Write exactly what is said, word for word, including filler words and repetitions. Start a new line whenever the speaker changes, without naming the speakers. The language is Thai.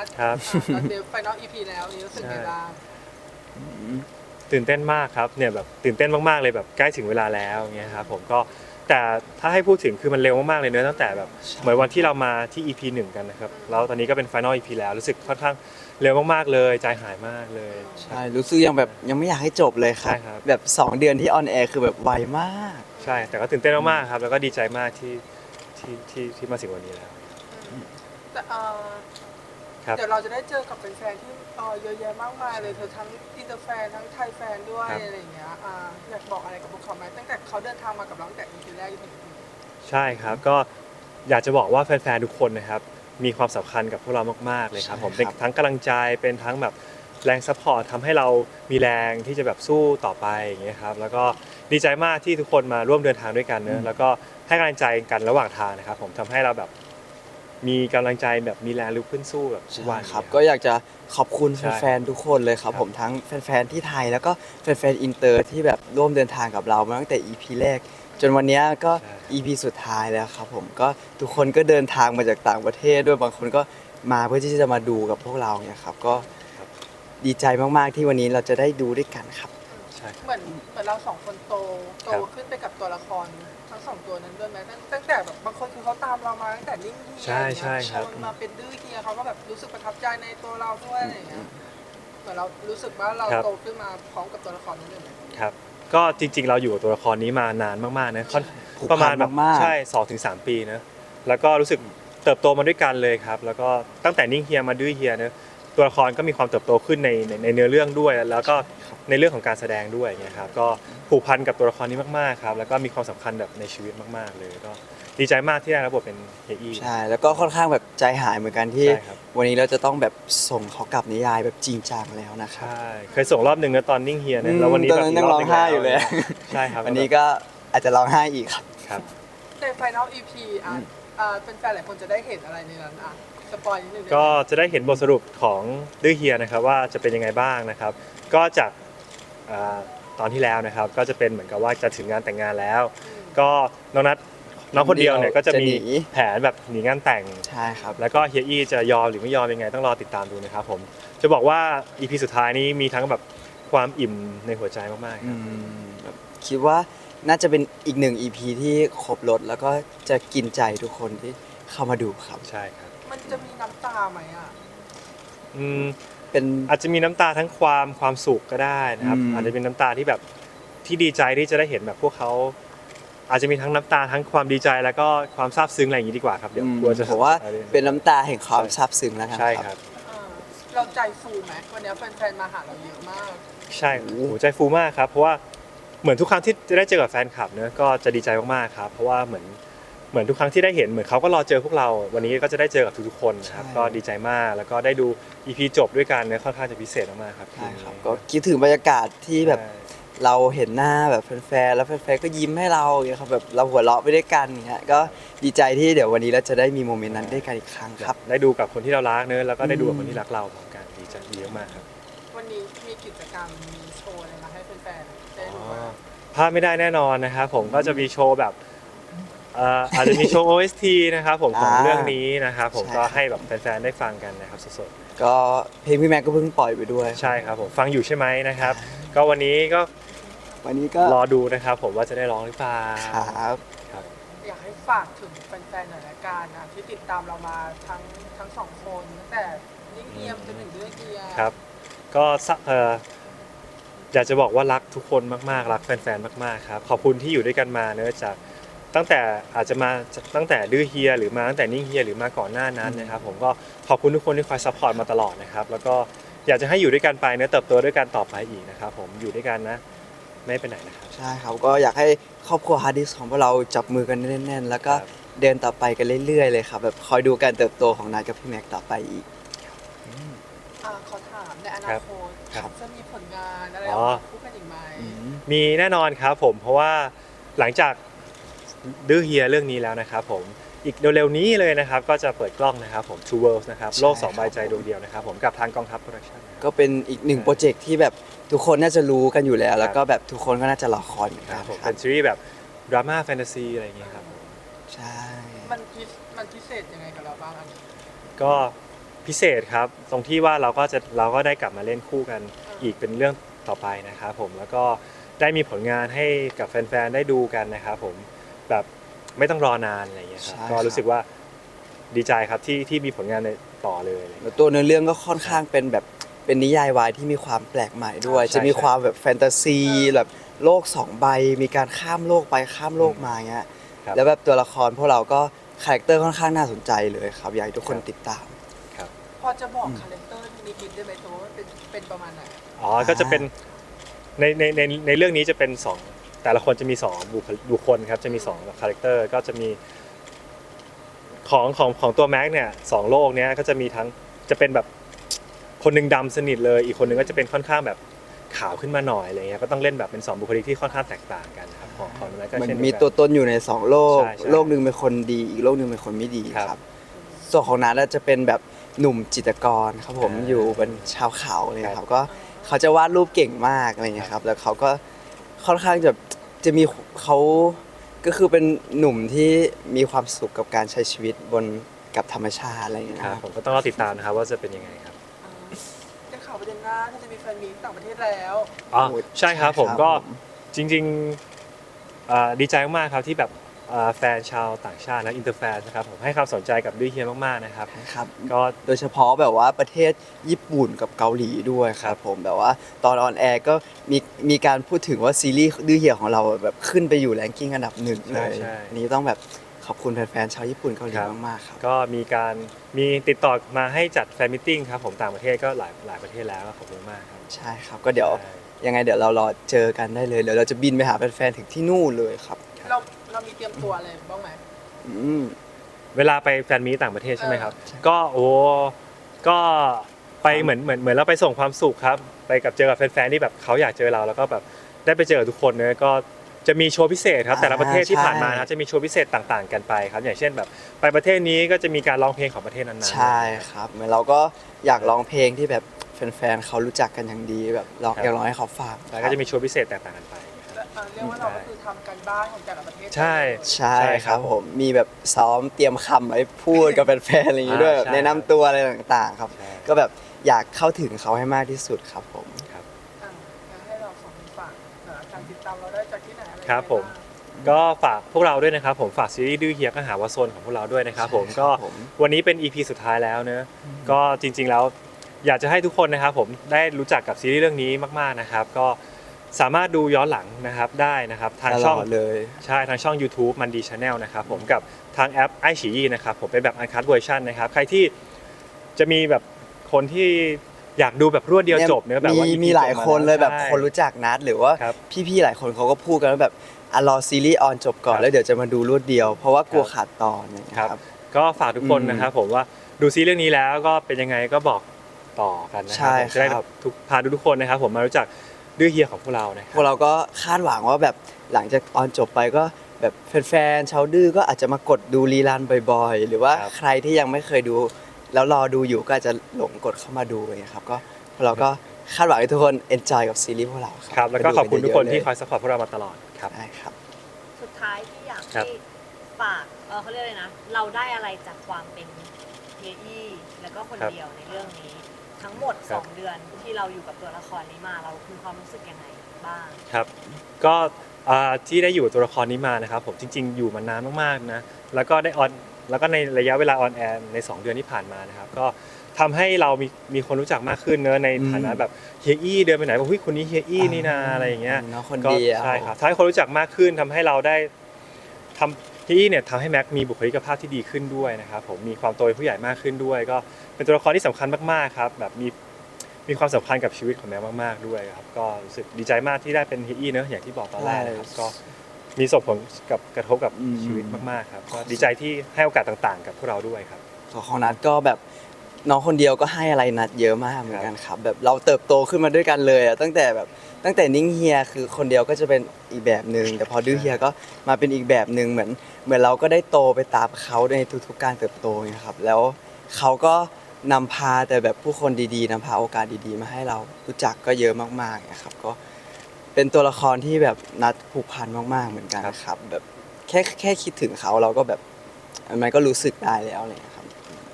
ครับ
ตอนเดฟไฟนอลอีพีแล้วนี่รู้สึกไงบ้าง
ตื่นเต้นมากครับเนี่ยแบบตื่นเต้นมากๆเลยแบบใกล้ถึงเวลาแล้วเงี้ยครับผมก็แต่ถ้าให้พูดถึงคือมันเร็วมากๆเลยเนอะตั้งแต่แบบเหมือนวันที่เรามาที่ อี พี หนึ่งกันนะครับแล้วตอนนี้ก็เป็น Final อี พี แล้วรู้สึกค่อนข้างเร็วมากๆเลยใจหายมากเลย
ใช่รู้สึกยังแบบยังไม่อยากให้จบเลยครับ
ใช่ครับ
แบบสองเดือนที่ออนแอร์คือแบบไวมาก
ใช่แต่ก็ตื่นเต้นมากๆครับแล้วก็ดีใจมากที่ที่ที่ที่มาถึงวันนี้แล้ว
แต่เอ่อ
ครับ
เดี๋ยวเราจะได้เจอกับแฟนๆที่เอ่อเยอะแยะมากมายเลยเธอทั้งอินเตอร์แฟนทั้งไทยแฟนด้วยอะไรอย่างเงี้ยอ่าอยากบอกอะไรกับพวกเขาไหมตั้งแต่เขาเดินทางมากับเราตั้งแต่ อี พี แรกจนถึง อี พี
ใช่ครับก็อยากจะบอกว่าแฟนๆทุกคนนะครับมีความสำคัญกับพวกเรามากๆเลยครับผม
ใช่
เป็น
ครับ
ทั้งกำลังใจเป็นทั้งแบบแรงซัพพอร์ตทำให้เรามีแรงที่จะแบบสู้ต่อไปอย่างเงี้ยครับแล้วก็ดีใจมากที่ทุกคนมาร่วมเดินทางด้วยกันเนอะแล้วก็ให้กำลังใจกันระหว่างทางนะครับผมทำให้เราแบบมีกำลังใจแบบมีแรงลุกขึ้นสู้แบบทุกวัน
ครับ
เนี่ย
ก็อยากจะขอบคุณ
ใช่
แฟนๆทุกคนเลยครับ
ครับ
ผมทั้งแฟนๆที่ไทยแล้วก็แฟนๆอินเตอร์ที่แบบร่วมเดินทางกับเรามาตั้งแต่ อี พี แรก จนวันเนี้ยก็
ใช่
อี พี สุดท้ายแล้วครับผมก็ทุกคนก็เดินทางมาจากต่างประเทศด้วยบางคนก็มาเพื่อที่จะมาดูกับพวกเราเนี่ยครับก็
ครับ
ดีใจมากๆที่วันนี้เราจะได้ดูด้วยกันครับ
ใช่ครับ
เหมือนเหมือนเราสองคนโตโต
ครับ
ขึ้นไปกับตัวละครทั้งสองตัวนั้นด้วยไหมตั้งตั้งแต่แบบบางคนคือเขาตามเรามาตั้งแต่นิ่งเฮีย
ใช่ใช่ครับ
จนมาเป็นดื้อเฮียเขาก็แบบรู้สึกประทับใจในตัวเราด้วยอะไรอย่างเงี้ยเหมือนเรารู้สึกว่าเราโตขึ้นมาพร้อมกับตัวละครนั้นเลยไหม
ครับก็จริงๆเราอยู่กับตัวละครนี้มานานมากๆนะค่อน
ผูกพัน
ประมาณแบบ
มากๆ
ใช่สองถึงสามปีนะแล้วก็รู้สึกเติบโตมาด้วยกันเลยครับแล้วก็ตั้งแต่นิ่งเฮียมาดื้อเฮียเนะตัวละครก็มีความเติบโตขึ้นในในในเนื้อเรื่องด้วย แล้วก็ในเรื่องของการแสดงด้วยเงี้ยครับก็ผูกพันกับตัวละครนี้มากๆครับแล้วก็มีความสำคัญแบบในชีวิตมากๆเลยก็ดีใจมากที่ได้รับบทเป็นเฮียอี้
ใช่แล้วก็ค่อนข้างแบบใจหายเหมือนกันที่
ใช่ครับ
วันนี้เราจะต้องแบบส่งเขากลับนิยายแบบจริงจังแล้วนะครับ
ใช่เคยส่งรอบหนึ่งนะตอนนิ่งเฮีย
อื
นะ
ม
แล้ววันนี้
ตอน
แบบ
นั้น
ก
ยังร้องไห้อยู่เลย
ใช่ครับ
วันนี้ก็อาจจะร้องไห้อีกครับ
ครับ
ใน Final อี พี อ่ะอ่าเป็นแฟนหลายคนจะได้เห็นอะไรในนั้นอ่ะสปอยนิดนึงได้ไหม
ก็จะได้เห็นบทสรุปของดื้อเฮียนะครับว่าจะเป็นยังไงบ้างนะครับ ก็จากอ่าตอนที่แล้วนะครับก็จะเป็นเหมือนกับว่าจะถึงงานแต่งงานแล้ว ก็น้องนัทน้องคนเดียวเนี่ยก็จะมี
จะหนี
แผนแบบหนีงานแต่ง
ใช่ครับ
แล้วก็เฮียอี้จะยอมหรือไม่ยอมยังไงต้องรอติดตามดูนะครับผมจะบอกว่า อี พี สุดท้ายนี้มีทั้งแบบความอิ่มในหัวใจมากๆค
อื
รับ
มแบบคิดว่าน่าจะเป็นอีกหนึ่ง อี พี ที่ครบรถแล้วก็จะกินใจทุกคนที่เข้ามาดูครับ
ใช่ครับ
มันจะมีน้ำตาไหมอ่ะ
อืม
เป็น
อาจจะมีน้ำตาทั้งความความสุขก็ได้นะครับ
อืม
อาจจะเป็นน้ำตาที่แบบที่ดีใจที่จะได้เห็นแบบพวกเขาอาจจะมีทั้งน้ำตาทั้งความดีใจแล้วก็ความซาบซึ้งอะไรอย่างนี้ดีกว่าครับเดี๋ยว
อืม
กลัวจะ
ผมว่า
อะไร
เป็นน้ำตาแห่งความซาบซึ้งแล้วกัน
ใช่
ค
ค
รั
รับ บ
เออเราใจฟูไหมวันนี้แฟนๆมาหาเราเยอะมาก
ใช่โอ้โหใจฟูมากครับเพราะว่าเหมือนทุกครั้งที่จะได้เจอกับแฟนคลับเนอะก็จะดีใจมากๆครับเพราะว่าเหมือนเหมือนทุกครั้งที่ได้เห็นเหมือนเขาก็รอเจอพวกเรา วันนี้ก็จะได้เจอกับทุกๆคนนะครับ
ใช่
ก็ดีใจมากแล้วก็ได้ดู อี พี จบด้วยกันเนี่ยค่อนข้างจะพิเศษมากๆครับ
ใช่ครับก็คิดถึงบรรยากาศที่แบบเราเห็นหน้าแบบแฟนๆแล้วแฟนๆก็ยิ้มให้เราอย่างเงี้ยครับแบบเราหัวเราะไปด้วยกันอย่างเงี้ยก็ดีใจที่เดี๋ยววันนี้เราจะได้มีโมเมนต์นั้นด้วยกันอีกครั้งครับ
ได้ดูกับคนที่เรารักเนอะแล้วก็ได้ดูกับคนที่รักเราพร้อมกันดีใจดีมากๆครับ
วันนี้มีกิจกรรมมีโชว์อะไรมาให้แฟนๆได้ดูบ้าง
พลาดไม่ได้แน่นอนนะครับผมก็จะมีโชว์แบบเอ่ออาจจะมีโชว์ โอ เอส ที นะครับผมของ
อ่า
เรื่องนี้นะครับผม
ใช่
ก็
ครับ
ให้แบบแฟนๆได้ฟังกันนะครับสด
ก็เพลงพี่แม็กก็เพิ่งปล่อยไปด้วย
ๆใช่ครับผมฟังอยู่ใช่ไหมนะครับ ก็วันนี้ก็
วันนี้ก็
รอดูนะครับผมว่าจะได้ร้องหรือเปล่า
ครับ
ครับ
อยากให้ฝากถึงแฟนๆหน่อยละกันนะที่ติดตามเรามาทั้งทั้งสองคนตั้งแต่นิ่งเงียบจนถึงเรื่องเกียร์
ครับก็สะเอ่ออยากจะบอกว่ารักทุกคนมากๆรักแฟนๆมากๆครับขอบคุณที่อยู่ด้วยกันมาเนอะจากตั้งแต่อาจจะมาตั้งแต่ดื้อเฮียหรือมาตั้งแต่นิ่งเฮียหรือมาก่อนหน้านั้นนะครับผมก็ขอบคุณทุกคนที่คอยซัพพอร์ตมาตลอดนะครับแล้วก็อยากจะให้อยู่ด้วยกันไปเนอะเติบโตด้วยกันต่อไปอีกนะครับผมอยู่ด้วยกันนะไม่ไปไหนนะครับ
ใช่ครับก็อยากให้ครอบครัวฮาร์ดดิสของพวกเราจับมือกันแน่นๆ แล้วก็
ครับ
เดินต่อไปกันเรื่อยๆเลยครับแบบคอยดูการเติบโตของนายกับพี่แม็กต่อไปอีก
อ่าขอถามในอนาคต
ครับ
จะมีผลงานอะไร
อ๋
อ
อ
อกมาคู่กันอีกไหม
มีแน่นอนครับผมเพราะว่าหลังจากดื้อเฮียเรื่องนี้แล้วนะครับผมอีกเร็วๆนี้เลยนะครับก็จะเปิดกล้องนะครับผม Two Worlds นะครับ
ใช่
โลกสอง
ครับ
ใบใจดวงเดียวนะครับผมกับทางกองทัพโปรดักชั่น
ก็เป็นอีกหนึ่งโปรเจกต์ที่แบบทุกคนน่าจะรู้กันอยู่แล้ว แล้วก็แบบทุกคนก็น่าจะรอคอยเหมือน
ค
กั
รั
น
บผม
ครั
เป็
บ
นซีรีส์แบบดราม่าแฟนตาซีอะไรอย่างเงี้ยครับผม
ใช่
มันพิมันพิเศษยังไงกับเราบ้างอันนี้
ก็พิเศษครับตรงที่ว่าเราก็จะเราก็ได้กลับมาเล่นคู่กันอีกเป็นเรื่องต่อไปนะครับผมแล้วก็ได้มีผลงานให้กับแฟนๆได้ดูกันนะครับผมแบบไม่ต้องรอนานอะไรอย่างเงี้ยครับก็รู้สึกว่าดีใจครับที่ที่มีผลงานในต่อเลยอะไรอย่าง
แล้
เงี้
วย ตัวเนื้อเรื่องก็ค่อนข้างเป็นแบบเป็นนิยายวายที่มีความแปลกใหม่ด้วย
ใช่
จะมี
ใช่
ความแบบแฟนตาซีแบบโลกสองใบมีการข้ามโลกไปข้ามโลกมาเงี้ย
ครับ
แล้วแบบตัวละครพวกเราก็คาแรคเตอร์ค่อนข้างน่าสนใจเลยครับอยากให้ทุกคน
ครับ
ติดตาม
ครับ
พอจะบอกคาแรคเตอร์นิดๆได้ไหมตัวว่าเป็นเป็นประมาณไหน
อ๋อก็จะเป็นในในในในเรื่องนี้จะเป็นสองแต่ละคนจะมีสองบุคลิกบุคคลครับจะมีสองคาแรคเตอร์ก็จะมีของของของตัวแม็กเนี่ยสองโลกเนี้ยก็จะมีทั้งจะเป็นแบบคนหนึ่งดำสนิทเลยอีกคนหนึ่งก็จะเป็นค่อนข้างแบบขาวขึ้นมาหน่อยอะไรเงี้ยก็ต้องเล่นแบบเป็นสองบุคลิกที่ค่อนข้างแตกต่างกันครับของของแม็กก็
มัน
เช่นเดียวกัน
มีตัวตนอยู่ในสองโลก
ใช่ใช่
โลกหนึ่งเป็นคนดีอีกโลกหนึ่งเป็นคนไม่ดี
ครับ
ครับ ส่วนของนัทจะเป็นแบบหนุ่มจิตรกรครับผม
อ่า
อยู่เป็นชาวเขาเลยค
ครั
รับบ ก็เขาจะวาดรูปเก่งมากอะไรเงี้ยครับแล้วเขาก็ค่อนข้างจะจะมีเขาก็คือเป็นหนุ่มที่มีความสุขกับการใช้ชีวิตบนกับธรรมชาติอะไรเงี้ย
ค
ค
รั
รั
บบ ผมก็ต้องรอติดตามนะครับว่าจะเป็นยังไงครับ
อ่าได้ข่าวประเด็นหน้าที่จะมีแฟนมีตต่างประเทศแล้ว
อ๋อใช่ครับผม
ใช่ครับ
ก็
ผม
จริงๆอ่าดีใจมากๆครับที่แบบอ่าแฟนชาวต่างชาติและอินเตอร์แฟนนะครับผมให้ความสนใจกับดื้อเฮียมากๆนะครับ
ครับ
ก็
โดยเฉพาะแบบว่าประเทศญี่ปุ่นกับเกาหลีด้วยค
ครั
รับบ ผมแบบว่าตอนออนแอร์ก็มีมีการพูดถึงว่าซีรีส์ดื้อเหี่ยวของเราแบบขึ้นไปอยู่แรงกิ้งอันดับหนึ่งเลย
ใช่ใช่
อันนี้ต้องแบบขอบคุณแฟนๆชาวญี่ปุ่นเกาหลี
ครับ
มากๆครับ
ก็มีการมีติดต่อมาให้จัดแฟนมิทติ้งครับผมต่างประเทศก็หลายหลายประเทศแล้วก็ขอบคุณมากครับ
ใช่ครับก็เดี๋ยว
ใช่
ยังไงเดี๋ยวเรารอเจอกันได้เลยเดี๋ยวเราจะบินไปหาแฟนๆถึงที่นู่นเลยครับ
เราเรามีเตรียมตัวอะไรบ้างไหม
อืม
เวลาไปแฟนมีตต่างประเทศใช่ไหมครับ
ใช่
ก็โอ้ก็ไปเหมือนเหมือนเหมือนเราไปส่งความสุขครับไปกับเจอกับแฟนๆที่แบบเขาอยากเจอเราแล้วก็แบบได้ไปเจอกับทุกคนเนอะก็จะมีโชว์พิเศษครับแต่ละประเทศที่ผ่านมานะครับจะมีโชว์พิเศษต่างๆ กันไปครับอย่างเช่นแบบไปประเทศนี้ก็จะมีการร้องเพลงของประเทศนั้นๆ
ใช่ครับเหมือนเราก็อยากร้องเพลงที่แบบแฟนๆเขารู้จักกันอย่างดีแบบเราอยากร้องให้เขาฟัง
แล้วก็จะมีโชว์พิเศษแตกต่างกันไป
และอ่าเรียกว่าเราก็คือทำการบ้านของแต่ละประเทศ
ใช่
ใช่
ใช่
ค
ครั
รับบ ผมมีแบบซ้อมเตรียมคำไว้พูดกับแฟนๆอะไรอย่างงี้ด้วย
อ่า
แบบ
ใช่
แนะนำตัวอะไรต่างๆครับ
ใช่
ก็แบบอยากเข้าถึงเขาให้มากที่สุดครับผม
ครับ
อ่างั้นให้เราสองคนฝากเอ่อการติดตามเราได้จากที่ไหนอะไรยังไง
ครับผม
าง
ก็ฝากพวกเราด้วยนะครับผมฝากซีรีส์ดื้อเฮียก็หาวาโซนของพวกเราด้วยนะครับผม
ใช่
ก็
ครับผม
วันนี้เป็น อี พี สุดท้ายแล้วเนอะก็จริงๆแล้วอยากจะให้ทุกคนนะครับผมได้รู้จักกับซีรีส์เรื่องนี้มากๆนะครับ ก็สามารถดูย้อนหลังนะครับได้นะครับทาง
ตล
ช่อง
อดเลย
ใช่ทางช่อง YouTube มันดีชาแนลนะครับผมกับทางแอปไอฉี่นะครับผมเป็นแบบอันคั เวอร์ชันนะครับใครที่จะมีแบบคนที่อยากดูแบบรวดเดียวจบเนอะแบบว่า
มี
อี พี
มีหลาย
จบ
คนเลยแบบ
ใช่
คนรู้จักนัดหรือว่า
ครับ
พี่ๆหลายคนเขาก็พูดกันว่าแบบอ่ะรอซีรีส์ออนจบก่อน
ครับ
แล้วเดี๋ยวจะมาดูรวดเดียว เพราะว่ากลัว
ครับ
ขาดตอนอะไรอย่างเงี้ย
ครับ
ครับ
ก็ฝากทุกคน
อืม
นะครับผมว่าดูซีรีส์เรื่องนี้แล้วก็เป็นยังไงก็บอกต่อกันนะค
ใช่
รัผมจะได้
ครับ
ทุกพาทุกๆคนนะครับผมมารู้จักดื้อเฮียของพวกเรานะค
พวก
รับ
เราก็คาดหวังว่าแบบหลังจากออนจบไปก็แบบแฟนๆชาวดื้อก็อาจจะมากดดูรีลันบ่อยๆ หรือว่า
ครับ
ใครที่ยังไม่เคยดู แล้วรอดูอยู่ก็อาจจะหลงกดเข้ามาดูอย่างเงี้ยครับก็พวกเราก็คาดหวังให้ทุกคนเอนจอยกับซีรีส์พวกเราค
ครั
รั
บบแล้วก็ขอบคุณทุกคนที่ค
อ
อยสปอร์ตพวกเรามาตลอดครับ
ได้ครับ
สุดท้ายที่อยาก
ครั
ให้
บ
ฝากเออเขาเรียกอะไรนะ เราได้อะไรจากความเป็นเฮียอี้แล้วก็คน
ครับ
เดียวในเรื่องนี้ ทั้งหมด
ครับ
สอง เดือนที่เราอยู่กับตัวละครนี้มาเรามีความรู้สึกยังไงบ้าง
ครับก็อ่าที่ได้อยู่กับตัวละครนี้มานะครับผมจริง ๆ อยู่มานานมากๆนะแล้วก็ได้ออนแล้วก็ในระยะเวลาออนแอร์ในสองเดือนที่ผ่านมานะครับก็ทำให้เรามีมีคนรู้จักมากขึ้นเนอะใน
อืม
ฐานะแบบเฮียอี้เดินไปไหนบอกเฮ้ยคนนี้เฮียอี้นี่นาอะไรอย่างเงี้ย
น้องคน
ก็
เดียว
ใช่ครับทำให้คนรู้จักมากขึ้นทำให้เราได้ทำที่เนี่ยทำให้แม็กมีบุคลิกภาพที่ดีขึ้นด้วยนะครับผมมีความโตเป็นผู้ใหญ่มากขึ้นด้วย ก็เป็นตัวละครที่สำคัญมากๆครับแบบมีมีความสำคัญกับชีวิตของแม็กมากๆด้วยครับก็รู้สึกดีใจมากที่ได้เป็นเฮียอี้เนอะอย่างที่บอกตอนแรกนะครับก็มีส่งผลกับกระทบกับชีวิตมากๆครับก็ดีใจที่ให้โอกาสต่างๆ กับพวกเราด้วยครับ
ส่วนของนัดก็แบบน้องคนเดียวก็ให้อะไรนัดเยอะมากเหมือนกันครับแบบเราเติบโตขึ้นมาด้วยกันเลยอะตั้งแต่แบบตั้งแต่นิ่งเฮียคือคนเดียวก็จะเป็นอีกแบบหนึ่งแต่พอดื้อเฮียก็มาเป็นอีกแบบหนึ่งเหมือนเหมือนเราก็ได้โตไปตามเขาในทุกๆการเติบโตนะครับแล้วเขาก็นำพาแต่แบบผู้คนดีๆนำพาโอกาสดีๆ มาให้เรารู้จักก็เยอะมากๆนะครับก็เป็นตัวละครที่แบบนัดผูกพันมากๆเหมือนกันครับแบบแค่แค่คิดถึงเขาเราก็แบบมันก็รู้สึกได้แล้วอะไรอย่างเลยครับ
ค